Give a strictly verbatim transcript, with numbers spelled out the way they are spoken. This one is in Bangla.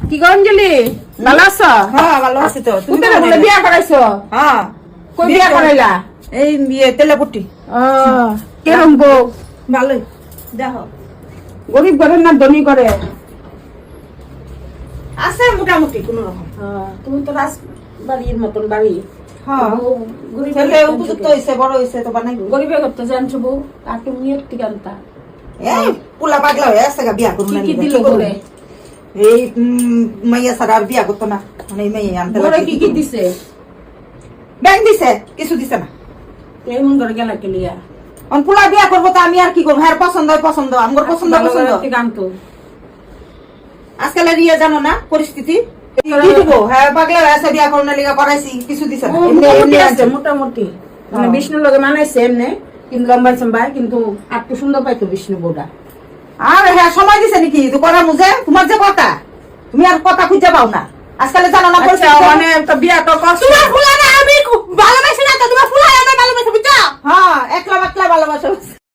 কি গো অঞ্জলি ভালো আছো? হ্যাঁ ভালো আছি তো। তুমি কোথায় বলে বিয়া করাইছো? হ্যাঁ কই বিয়া করাইলা? এই বিয়ে তেলাপুটি। ও কেরম বউ? ভালোই দেখো গরিব ঘরের না ধনী করে? আছে মোটামুটি কোন রকম। তুমি তো রাজ বাড়ির মতন বাড়ি। হ্যাঁ গরিব ছেলে উপযুক্ত হয়েছে, বড় হয়েছে তো বানাই। গরিবে করতে জানছো বউ আর তুমি একটি গানতা এই পুলা পাগলা হয়ে আসছে গা বিয়া করুন কি না। কি দিল ঘরে? এই উম, মাইয়া সারা আর বিয়া করতো না, মানে এই মাইয়া আনতে ঘরে কি কি দিছে? ব্যাংক দিছে, কিছু দিছে না। এমন করে গেলা কেলিয়া অন পুলা বিয়া করবো তো আমি আর কি করবো? হ্যাঁ পছন্দ হয় পছন্দ, আমার পছন্দ পছন্দ। গান তো আজকাল রিয়া জানো না পরিস্থিতি কি দিব? হ্যাঁ পাগলা হয়ে আছে, বিয়া করুন না লিগা করাইছি, কিছু দিছে না। এমনি মোটামুটি এমনি আছে আছে। মোটামুটি মানে হ্যাঁ। বিষ্ণুর লগে মানাইছে এমনি, কিন্তু লম্বাই সম্বাই কিন্তু আর একটু সুন্দর পাইতো বিষ্ণু বউটা। আর হ্যাঁ সময় দিছে নাকি তো করা মুঝে? তোমার যে কথা, তুমি আর কথা খুঁজে পাও না আজকালে, জানো না আচ্ছা পরিস্থিতি। মানে তো বিয়া তো করছো। তোমার